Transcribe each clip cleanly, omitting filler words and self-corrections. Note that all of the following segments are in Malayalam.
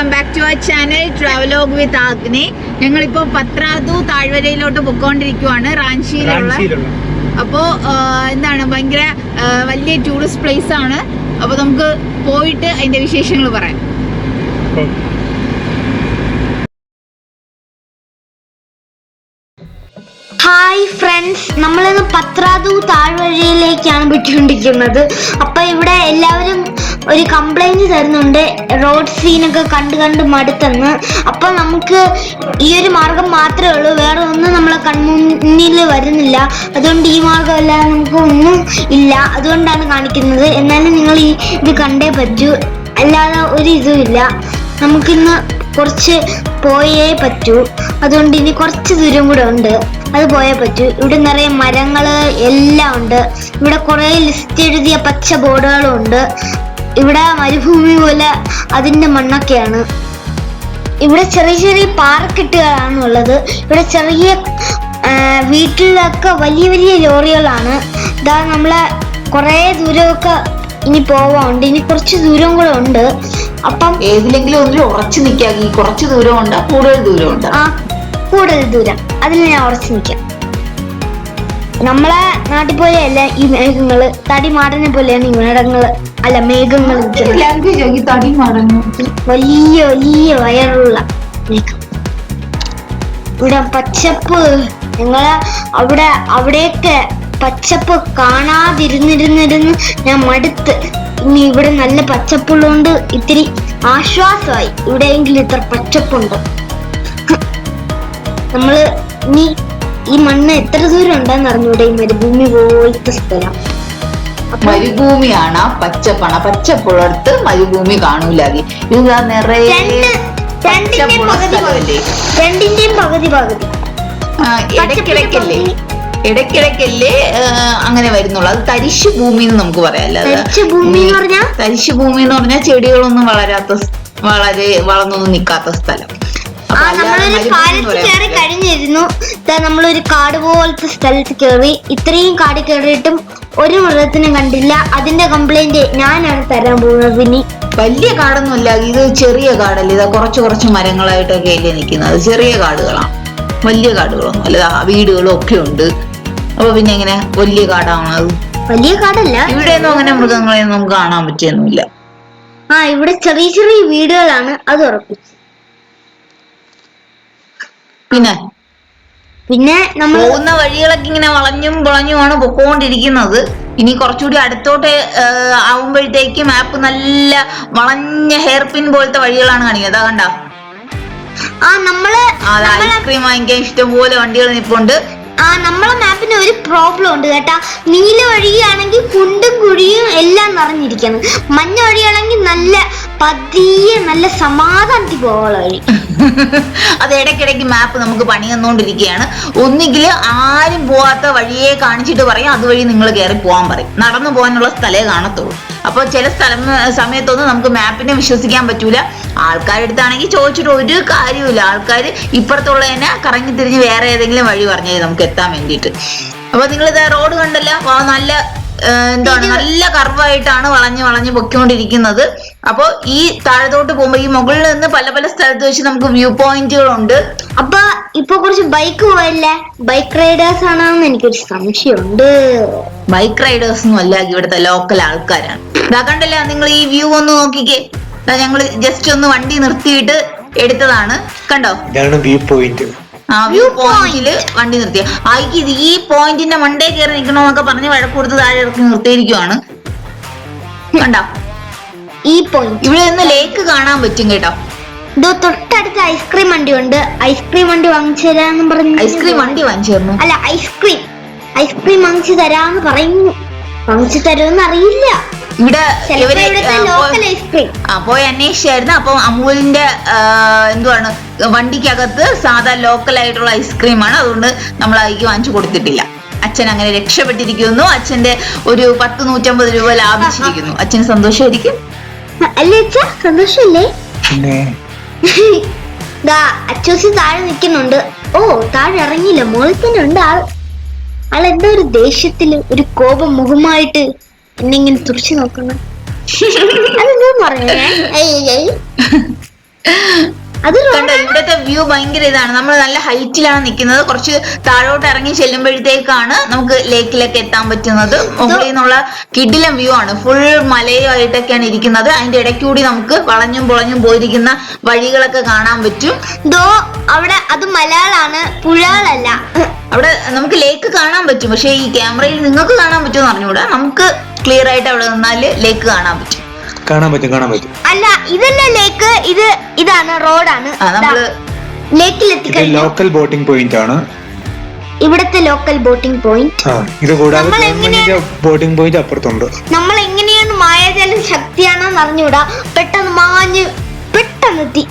Welcome back to our channel travelogue with Agni. ഞങ്ങളിപ്പോ പത്രാതു താഴ്വരയിലോട്ട് പൊക്കോണ്ടിരിക്കുവാണ്, റാഞ്ചിയിലുള്ള. അപ്പോ എന്താണ് ഭയങ്കര വലിയ ടൂറിസ്റ്റ് പ്ലേസ് ആണ്. അപ്പൊ നമുക്ക് പോയിട്ട് അതിന്റെ വിശേഷങ്ങൾ പറയാം. ഹായ് ഫ്രണ്ട്സ്, നമ്മളിന്ന് പത്രാതു താഴ്വരയിലേക്കാണ് പോയിക്കൊണ്ടിരിക്കുന്നത്. അപ്പൊ ഇവിടെ എല്ലാവരും ഒരു കംപ്ലൈന്റ് തരുന്നുണ്ട്, റോഡ് സീനൊക്കെ കണ്ട് മടുത്തെന്ന്. അപ്പൊ നമുക്ക് ഈ ഒരു മാർഗം മാത്രമേ ഉള്ളൂ, വേറെ ഒന്നും നമ്മളെ കൺമുന്നിൽ വരുന്നില്ല. അതുകൊണ്ട് ഈ മാർഗം അല്ലാതെ നമുക്ക് ഒന്നും ഇല്ല, അതുകൊണ്ടാണ് കാണിക്കുന്നത്. എന്നാലും നിങ്ങൾ ഇത് കണ്ടേ പറ്റൂ, അല്ലാതെ ഒരു ഇതും ഇല്ല. നമുക്കിന്ന് കുറച്ച് പോയേ പറ്റൂ, അതുകൊണ്ട് ഇനി കുറച്ച് ദൂരം കൂടെ ഉണ്ട്, അത് പോയേ പറ്റൂ. ഇവിടെ നിറയെ മരങ്ങള് എല്ലാം ഉണ്ട്. ഇവിടെ കുറെ ലിസ്റ്റ് എഴുതിയ പച്ച ബോർഡുകളും ഉണ്ട്. ഇവിടെ മരുഭൂമി പോലെ അതിന്റെ മണ്ണൊക്കെയാണ്. ഇവിടെ ചെറിയ ചെറിയ പാറക്കെട്ടുകളാണ് ഉള്ളത്. ഇവിടെ ചെറിയ വീട്ടിലൊക്കെ വലിയ വലിയ ലോറികളാണ്. ഇതാ നമ്മളെ കുറെ ദൂരമൊക്കെ ഇനി പോവാറുണ്ട്, ഇനി കുറച്ച് ദൂരം കൂടെ ഉണ്ട്. അപ്പം ഏതിലെങ്കിലും ഒന്നിൽ ഉറച്ചു നിൽക്കാക്കി. കുറച്ച് ദൂരം ഉണ്ട്, കൂടുതൽ ദൂരം ഉണ്ട്. ആ, കൂടുതൽ ദൂരം, അതിൽ ഞാൻ ഉറച്ചു നിൽക്കാം. നമ്മളെ നാട്ടിൽ പോലെയല്ല ഈ മേഘങ്ങള്, തടിമാടനെ പോലെയാണ് ഈ മേഘങ്ങള്, അല്ല മേഘങ്ങൾ. വലിയ വലിയ വയറുള്ള മേഘം. ഇവിടെ പച്ചപ്പ്, ഞങ്ങളെ അവിടെയൊക്കെ പച്ചപ്പ് കാണാതിരുന്നിരുന്നിരുന്ന് ഞാൻ മടുത്ത്. ഇനി ഇവിടെ നല്ല പച്ചപ്പുള്ളതുകൊണ്ട് ഇത്തിരി ആശ്വാസമായി. ഇവിടെയെങ്കിലും ഇത്ര പച്ചപ്പുണ്ട്. നമ്മള് ഇനി ഈ മണ്ണ് എത്ര ദൂരം ഉണ്ടെന്ന് അറിഞ്ഞൂടെ, ഈ മരുഭൂമി പോലത്തെ സ്ഥലം. മരുഭൂമിയാണ്, പച്ചപ്പാണ്. പച്ചപ്പുള്ളടുത്ത് മരുഭൂമി കാണൂലാകെ. ഇത് നിറയെ രണ്ടിന്റെയും പകുതി ഇടയ്ക്കിടയ്ക്കല്ലേ അങ്ങനെ വരുന്നുള്ളൂ. അത് തരിശു ഭൂമി എന്ന് നമുക്ക് പറയാം. തരിശു ഭൂമി എന്ന് പറഞ്ഞാൽ ചെടികളൊന്നും വളരെ വളർന്നൊന്നും നിൽക്കാത്ത സ്ഥലം. നമ്മളൊരു കാലത്ത് കയറി കഴിഞ്ഞിരുന്നു. നമ്മളൊരു കാട് പോലത്തെ സ്ഥലത്ത് കയറി. ഇത്രയും കാട് കയറിയിട്ടും ഒരു മൃഗത്തിനും കണ്ടില്ല. അതിന്റെ കംപ്ലൈന്റ് ഞാനാണ് തരാൻ പോകുന്നത്. ഇനി വലിയ കാടൊന്നുമല്ല, ഇത് ചെറിയ കാടല്ലേ. ഇതാ കുറച്ച് മരങ്ങളായിട്ടൊക്കെ അല്ലേ നിൽക്കുന്നത്. ചെറിയ കാടുകളാണ്, വലിയ കാടുകളൊന്നും അല്ല. വീടുകളും ഒക്കെ ഉണ്ട്. അപ്പൊ പിന്നെ എങ്ങനെ വലിയ കാടാണത്? വലിയ കാടല്ല. ഇവിടെയൊന്നും അങ്ങനെ മൃഗങ്ങളെയൊന്നും നമുക്ക് കാണാൻ പറ്റിയൊന്നുമില്ല. ഇവിടെ ചെറിയ ചെറിയ വീടുകളാണ്, അത് ഉറപ്പിച്ചു. പിന്നെ നമ്മൾ പോകുന്ന വഴികളൊക്കെ ഇങ്ങനെ വളഞ്ഞും പൊളഞ്ഞുമാണ് പൊക്കോണ്ടിരിക്കുന്നത്. ഇനി കുറച്ചുകൂടി അടുത്തോട്ട് ആവുമ്പോഴത്തേക്ക് മാപ്പ് നല്ല വളഞ്ഞ ഹെയർ പിൻ പോലത്തെ വഴികളാണ് കാണിക്കുന്നത്. അതാ കണ്ടോ? ഐസ്ക്രീം വാങ്ങിക്കാൻ ഇഷ്ടംപോലെ വണ്ടികൾ നിൽപ്പുണ്ട്. നമ്മളെ മാപ്പിന് ഒരു പ്രോബ്ലം ഉണ്ട് കേട്ടാ. നീല വഴിയാണെങ്കിൽ കുണ്ടും കുഴിയും എല്ലാം നിറഞ്ഞിരിക്കുന്നു. മഞ്ഞ വഴിയാണെങ്കിൽ നല്ല പതിയെ നല്ല സമാധാനത്തിൽ പോകാനുള്ള വഴി. അത് ഇടയ്ക്കിടയ്ക്ക് മാപ്പ് നമുക്ക് പണി തന്നുകൊണ്ടിരിക്കുകയാണ്. ഒന്നുകിൽ ആരും പോവാത്ത വഴിയെ കാണിച്ചിട്ട് പറയും, അതുവഴി നിങ്ങൾ കയറി പോകാൻ പറയും. നടന്നു പോകാനുള്ള സ്ഥലേ കാണത്തുള്ളൂ. അപ്പൊ ചില സമയത്തൊന്നും നമുക്ക് മാപ്പിനെ വിശ്വസിക്കാൻ പറ്റൂല. ആൾക്കാരെടുത്താണെങ്കിൽ ചോദിച്ചിട്ട് ഒരു കാര്യമില്ല. ആൾക്കാർ ഇപ്പുറത്തുള്ള തന്നെ കറങ്ങി തിരിഞ്ഞ് വേറെ ഏതെങ്കിലും വഴി പറഞ്ഞത് നമുക്ക് എത്താൻ വേണ്ടിയിട്ട്. അപ്പൊ നിങ്ങളിത് റോഡ് കണ്ടല്ലോ, നല്ല നല്ല കർവായിട്ടാണ് വളഞ്ഞ് പൊയ്ക്കൊണ്ടിരിക്കുന്നത്. അപ്പൊ ഈ താഴത്തോട്ട് പോകുമ്പോ ഈ മുകളിൽ നിന്ന് പല സ്ഥലത്ത് വെച്ച് നമുക്ക് വ്യൂ പോയിന്റുകളുണ്ട്. അപ്പൊ ഇപ്പൊ കുറച്ച് ബൈക്ക് പോയല്ലേ, ബൈക്ക് റൈഡേഴ്സ് ആണെന്ന് എനിക്കൊരു സംശയമുണ്ട്. ബൈക്ക് റൈഡേഴ്സ് ഒന്നും അല്ല, ഇവിടുത്തെ ലോക്കൽ ആൾക്കാരാണ്. ഇതാ കണ്ടല്ലോ, നിങ്ങൾ ഈ വ്യൂ ഒന്ന് നോക്കിക്കേ. ഞങ്ങള് ജസ്റ്റ് ഒന്ന് വണ്ടി നിർത്തിയിട്ട് എടുത്തതാണ്, കണ്ടോ? View point. വ്യൂ പോയിന്റില് വണ്ടി നിർത്തിയ ഈ പോയിന്റിന്റെ മണ്ടേ കയറി നിൽക്കണോന്നൊക്കെ പറഞ്ഞ് വഴക്ക് കൊടുത്ത് താഴെ ഇറക്കി നിർത്തിയിരിക്കുവാണ്. കണ്ടോ? ഈ പോയിന്റ് ഇവിടെ നിന്ന് ലേക്ക് കാണാൻ പറ്റും കേട്ടോ. തൊട്ടടുത്ത് ഐസ്ക്രീം വണ്ടി ഉണ്ട്. ഐസ്ക്രീം വണ്ടി വാങ്ങിച്ചു തരാന്ന് പറഞ്ഞു. ഐസ്ക്രീം വണ്ടി വാങ്ങിച്ചു തരുന്നു? അല്ല, ഐസ്ക്രീം വാങ്ങിച്ചു തരാന്ന് പറയുന്നു. വാങ്ങിച്ചു തരുമെന്ന് അറിയില്ല. ഇവിടെ പോയി അന്വേഷിച്ചായിരുന്നു. അപ്പൊ അമൂലിന്റെ എന്തുവാണ് വണ്ടിക്കകത്ത് സാധാ ലോക്കൽ ആയിട്ടുള്ള ഐസ്ക്രീമാണ്. അതുകൊണ്ട് നമ്മൾ അതിക്ക് വാങ്ങിച്ചു കൊടുത്തിട്ടില്ല. അച്ഛൻ അങ്ങനെ രക്ഷപ്പെട്ടിരിക്കുന്നു. അച്ഛന്റെ ഒരു 100-150 രൂപ ലാഭിച്ചിരിക്കുന്നു. അച്ഛന് സന്തോഷമായിരിക്കും അല്ലേ? സന്തോഷല്ലേ? അച്ചൂസി താഴെ നിൽക്കുന്നുണ്ട്. താഴെ ഇറങ്ങിയില്ല, മുകളിൽ തന്നെ ഉണ്ട് ആളെന്തോ ഒരു ദേഷ്യത്തില്, ഒരു കോപം മുഖമായിട്ട് എന്നെ ഇങ്ങനെ തുറച്ചു നോക്കണം. അതെന്തോ പറഞ്ഞു. അത് കണ്ടോ ഇവിടുത്തെ വ്യൂ ഭയങ്കര ഇതാണ്. നമ്മൾ നല്ല ഹൈറ്റിലാണ് നിൽക്കുന്നത്. കുറച്ച് താഴോട്ട് ഇറങ്ങി ചെല്ലുമ്പോഴത്തേക്കാണ് നമുക്ക് ലേക്കിലൊക്കെ എത്താൻ പറ്റുന്നത്. മുകളിൽ നിന്നുള്ള കിടിലം വ്യൂ ആണ്. ഫുൾ മലയുമായിട്ടൊക്കെയാണ് ഇരിക്കുന്നത്. അതിന്റെ ഇടയ്ക്കൂടി നമുക്ക് വളഞ്ഞും പൊളഞ്ഞും പോയിരിക്കുന്ന വഴികളൊക്കെ കാണാൻ പറ്റും. അവിടെ അത് മലയാളാണ്, പുഴകളല്ല. അവിടെ നമുക്ക് ലേക്ക് കാണാൻ പറ്റും. പക്ഷെ ഈ ക്യാമറയിൽ നിങ്ങൾക്ക് കാണാൻ പറ്റുമെന്ന് പറഞ്ഞുകൂടാ. നമുക്ക് ക്ലിയർ ആയിട്ട് അവിടെ നിന്നാല് ലേക്ക് കാണാൻ പറ്റും. കാണാൻ പറ്റും. അല്ല, ഇതല്ല ലേക്ക്, ഇതാണ് റോഡാണ്. ലേക്കിലെത്തി ലോക്കൽ ബോട്ടിംഗ് പോയിന്റ് ആണ്. ഇവിടത്തെ ലോക്കൽ ബോട്ടിംഗ് പോയിന്റ്. ഇത് കൂടാതെ ഗവൺമെന്റിന്റെ ബോട്ടിംഗ് പോയിന്റ് അപ്പുറത്തുണ്ട്. നമ്മൾ എങ്ങനെയാണ് മായാജാല ശക്തിയാണെന്ന് അറിഞ്ഞൂടാ. പെട്ടെന്നെത്തി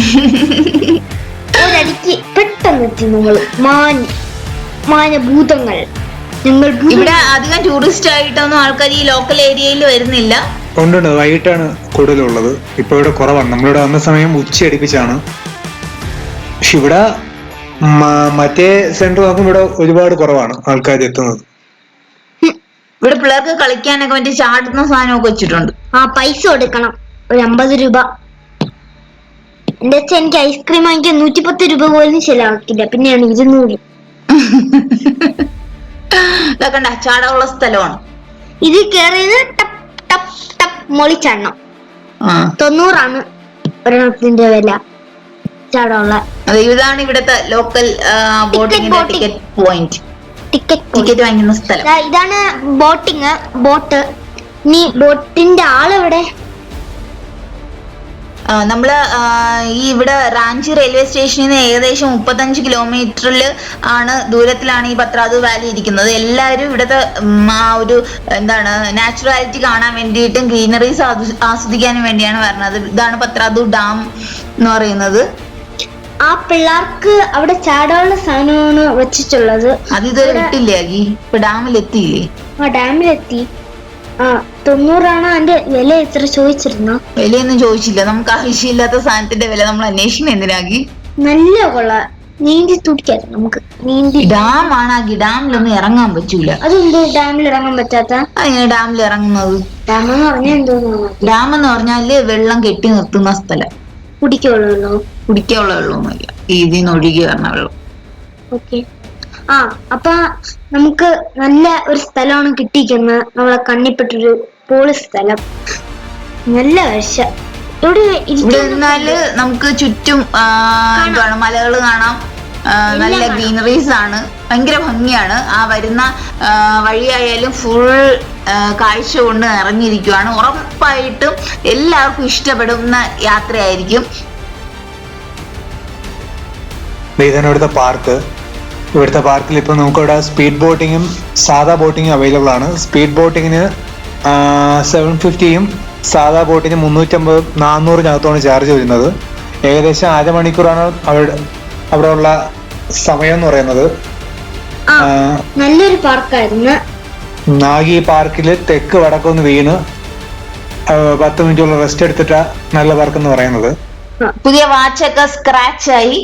ഒരടിക്ക് പെട്ടെന്നെത്തി നമ്മൾ മാനഭൂതങ്ങൾ. ഇവിടെ അധികം ടൂറിസ്റ്റ് ആയിട്ടൊന്നും ആൾക്കാർ ഈ ലോക്കൽ ഏരിയയിൽ വരുന്നില്ല. ഉണ്ട്, വൈകിട്ടാണ് കൂടുതലുള്ളത്. ഇപ്പൊ ഇവിടെ കുറവാണ്. നമ്മളിവിടെ വന്ന സമയം ഉച്ചയടിപ്പിച്ചാണ്. പക്ഷെ ഇവിടെ മറ്റേ സെന്റർ നോക്കുമ്പോൾ ഇവിടെ ഒരുപാട് കുറവാണ് ആൾക്കാർ എത്തുന്നത്. ഇവിടെ പിള്ളേർക്ക് കളിക്കാനൊക്കെ മറ്റേ ചാടുന്ന സാധനമൊക്കെ വെച്ചിട്ടുണ്ട്. പൈസ കൊടുക്കണം, ഒരു 50 രൂപ. എന്റെ അച്ഛൻ എനിക്ക് ഐസ്ക്രീം വാങ്ങിക്കാൻ 110 രൂപ പോലും ചെലവാക്കില്ല. പിന്നെയാണ് 200. ഇതൊക്കെ ചാടമുള്ള സ്ഥലമാണ്. ഇത് കേറിയത് ടപ്പ് ടപ്പ് ടപ്പ് മൊളിച്ചെണ്ണം 90 ഒരെണ്ണത്തിന്റെ വില. ചാടമുള്ള ഇതാണ് ഇവിടത്തെ ലോക്കൽ ബോട്ടിങ്ങിന്റെ ടിക്കറ്റ് പോയിന്റ്. ടിക്കറ്റ് വാങ്ങുന്ന സ്ഥലം ഇതാണ്. ബോട്ട്. ഇനി ബോട്ടിന്റെ ആളെവിടെ? നമ്മള് ഈ ഇവിടെ റാഞ്ചി റെയിൽവേ സ്റ്റേഷനിൽ നിന്ന് ഏകദേശം 35 കിലോമീറ്ററിൽ ദൂരത്തിലാണ് ഈ പത്രാതു വാലി ഇരിക്കുന്നത്. എല്ലാവരും ഇവിടുത്തെ ആ ഒരു നാച്ചുറാലിറ്റി കാണാൻ വേണ്ടിയിട്ടും ഗ്രീനറീസ് ആസ്വദിക്കാനും വേണ്ടിയാണ് വരുന്നത്. ഇതാണ് പത്രാതു ഡാം എന്ന് പറയുന്നത്. ആ പിള്ളേർക്ക് അവിടെ ചാടാനുള്ള സാധനമാണ് വെച്ചിട്ടുള്ളത്. അത് ഇതുവരെ ഇട്ടില്ലേ? ഇപ്പൊ ഡാമിലെത്തിയില്ലേ? ഡാമിലെത്തി. 90 അതിന്റെ വില എത്ര ചോദിച്ചിരുന്നോ? വിലയൊന്നും ചോദിച്ചില്ല. നമുക്ക് ആവശ്യമില്ലാത്ത സാധനത്തിന്റെ വില നമ്മൾ അന്വേഷിക്കണം എന്തിനാക്കി? നല്ല കൊള്ള നീന്തി തുടിക്കാതെ നമുക്ക്. ഡാം ആണാക്കി ഡാമിലൊന്നും ഇറങ്ങാൻ പറ്റൂല. അതെന്തോ ഡാമിൽ ഇറങ്ങാൻ പറ്റാത്ത? അങ്ങനെ ഡാമിൽ ഇറങ്ങുന്നത്? ഡാം എന്ന് പറഞ്ഞാൽ എന്തോ? ഡാം എന്ന് പറഞ്ഞാല് വെള്ളം കെട്ടി നിർത്തുന്ന സ്ഥലം. കുടിക്കാനുള്ള വെള്ളമൊന്നുമില്ല, ഇതിന്ന് ഒഴുകി വരണ വെള്ളം. ഓക്കെ. അപ്പൊ നമുക്ക് നല്ല ഒരു സ്ഥലമാണ് കിട്ടിയിരിക്കുന്നത്. നമ്മളെ കണ്ണിപ്പെട്ടൊരു പോളി സ്ഥലം. നല്ല കാഴ്ച. ഇവിടെ നിന്നാല് നമുക്ക് ചുറ്റും മലകൾ കാണാം. നല്ല ഗ്രീനറീസ് ആണ്. ഭയങ്കര ഭംഗിയാണ്. ആ വരുന്ന വഴിയായാലും ഫുൾ കാഴ്ച കൊണ്ട് നിറഞ്ഞിരിക്കുവാണ്. ഉറപ്പായിട്ടും എല്ലാവർക്കും ഇഷ്ടപ്പെടുന്ന യാത്രയായിരിക്കും. ഇതാണ് ഇവിടുത്തെ പാർക്ക്. ഇവിടുത്തെ പാർക്കിൽ ഇപ്പൊ നമുക്കിവിടെ സ്പീഡ് ബോട്ടിങ്ങും സാധാ ബോട്ടിങ്ങും അവൈലബിൾ ആണ്. സ്പീഡ് ബോട്ടിങ്ങിന് 750 സാധാ ബോട്ടിന് 350-400 ചാർജ് വരുന്നത്. ഏകദേശം 1/2 മണിക്കൂറാണ് അവിടെ ഉള്ള സമയം എന്ന് പറയുന്നത്. നല്ലൊരു പാർക്കായിരുന്നു. നാഗി പാർക്കിൽ തെക്ക് വടക്കൊന്ന് വീണ് 10 മിനിറ്റുള്ള റെസ്റ്റ് എടുത്തിട്ടാ നല്ല പാർക്ക് എന്ന് പറയുന്നത്. പുതിയ വാച്ചൊക്കെ സ്ക്രാച്ച് ആയി.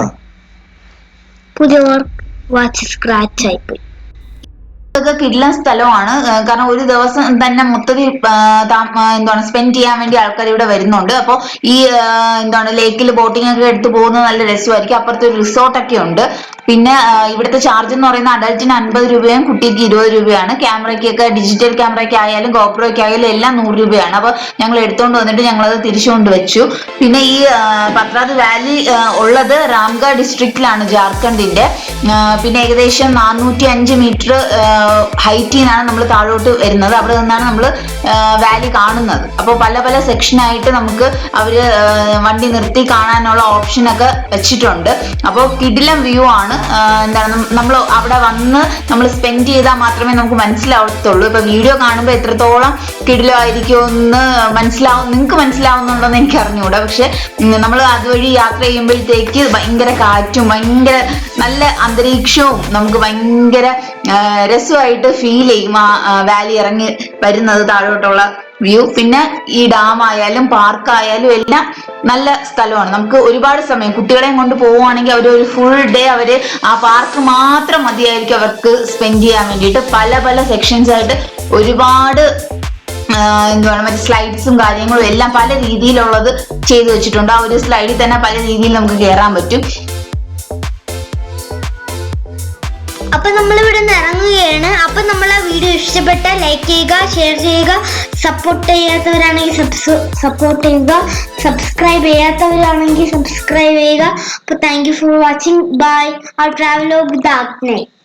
പുതിയ വാച്ച് സ്ക്രാച്ച് ആയിപ്പോയി. ഇതൊക്കെ കിടിലൻ സ്ഥലമാണ്. കാരണം ഒരു ദിവസം തന്നെ മൊത്തത്തിൽ സ്പെൻഡ് ചെയ്യാൻ വേണ്ടി ആൾക്കാർ ഇവിടെ വരുന്നുണ്ട്. അപ്പോൾ ഈ ലേക്കിൽ ബോട്ടിംഗ് ഒക്കെ എടുത്ത് പോകുന്നത് നല്ല രസമായിരിക്കും. അപ്പുറത്ത് ഒരു റിസോർട്ടൊക്കെ ഉണ്ട്. പിന്നെ ഇവിടുത്തെ ചാർജ് എന്ന് പറയുന്നത് അഡൽറ്റിന് 50 രൂപയും കുട്ടിക്ക് 20 രൂപയാണ്. ക്യാമറയ്ക്കൊക്കെ ഡിജിറ്റൽ ക്യാമറയ്ക്ക് ആയാലും ഗോപ്രോയ്ക്ക് ആയാലും എല്ലാം 100 രൂപയാണ്. അപ്പോൾ ഞങ്ങൾ എടുത്തുകൊണ്ട് വന്നിട്ട് ഞങ്ങളത് തിരിച്ചുകൊണ്ട് വെച്ചു. പിന്നെ ഈ പത്രാതു വാലി ഉള്ളത് രാംഗഡ് ഡിസ്ട്രിക്റ്റിലാണ്, ജാർഖണ്ഡിന്റെ. പിന്നെ ഏകദേശം 405 മീറ്റർ ഹൈറ്റിൽ നിന്നാണ് നമ്മൾ താഴോട്ട് വരുന്നത്. അവിടെ നിന്നാണ് നമ്മൾ വാലി കാണുന്നത്. അപ്പോൾ പല പല സെക്ഷനായിട്ട് നമുക്ക് അവര് വണ്ടി നിർത്തി കാണാനുള്ള ഓപ്ഷനൊക്കെ വെച്ചിട്ടുണ്ട്. അപ്പോൾ കിടിലം വ്യൂ ആണ്. നമ്മൾ അവിടെ വന്ന് നമ്മൾ സ്പെൻഡ് ചെയ്താൽ മാത്രമേ നമുക്ക് മനസ്സിലാവത്തുള്ളൂ. ഇപ്പൊ വീഡിയോ കാണുമ്പോൾ എത്രത്തോളം കിടിലമായിരിക്കുമെന്ന് നിങ്ങൾക്ക് മനസ്സിലാവുന്നുണ്ടോന്ന് എനിക്ക് അറിഞ്ഞുകൂടാ. പക്ഷെ നമ്മൾ അതുവഴി യാത്ര ചെയ്യുമ്പോഴത്തേക്ക് ഭയങ്കര കാറ്റും ഭയങ്കര നല്ല അന്തരീക്ഷവും നമുക്ക് ഭയങ്കര രസമായിട്ട് ഫീൽ ചെയ്യും. ആ വാലി ഇറങ്ങി വരുന്നത് താഴോട്ടുള്ള വ്യൂ. പിന്നെ ഈ ഡാം ആയാലും പാർക്കായാലും എല്ലാം നല്ല സ്ഥലമാണ്. നമുക്ക് ഒരുപാട് സമയം കുട്ടികളെയും കൊണ്ട് പോവുകയാണെങ്കിൽ അവർ ഒരു ഫുൾ ഡേ അവര് ആ പാർക്ക് മാത്രം മതിയായിരിക്കും അവർക്ക് സ്പെൻഡ് ചെയ്യാൻ വേണ്ടിയിട്ട്. പല പല സെക്ഷൻസ് ആയിട്ട് ഒരുപാട് എന്തുവാണ് മറ്റേ സ്ലൈഡ്സും കാര്യങ്ങളും എല്ലാം പല രീതിയിലുള്ളത് ചെയ്തു വെച്ചിട്ടുണ്ട്. ആ ഒരു സ്ലൈഡിൽ തന്നെ പല രീതിയിൽ നമുക്ക് കയറാൻ പറ്റും. അപ്പൊ നമ്മൾ ഇവിടെ നിന്ന് ഇറങ്ങുകയാണ്. അപ്പൊ നമ്മൾ ആ വീഡിയോ ഇഷ്ടപ്പെട്ട ലൈക്ക് ചെയ്യുക, ഷെയർ ചെയ്യുക, സപ്പോർട്ട് ചെയ്യാത്തവരാണെങ്കിൽ സപ്പോർട്ട് ചെയ്യുക, സബ്സ്ക്രൈബ് ചെയ്യാത്തവരാണെങ്കിൽ സബ്സ്ക്രൈബ് ചെയ്യുക. അപ്പൊ thank you for watching. Bye. Our travel with Agne.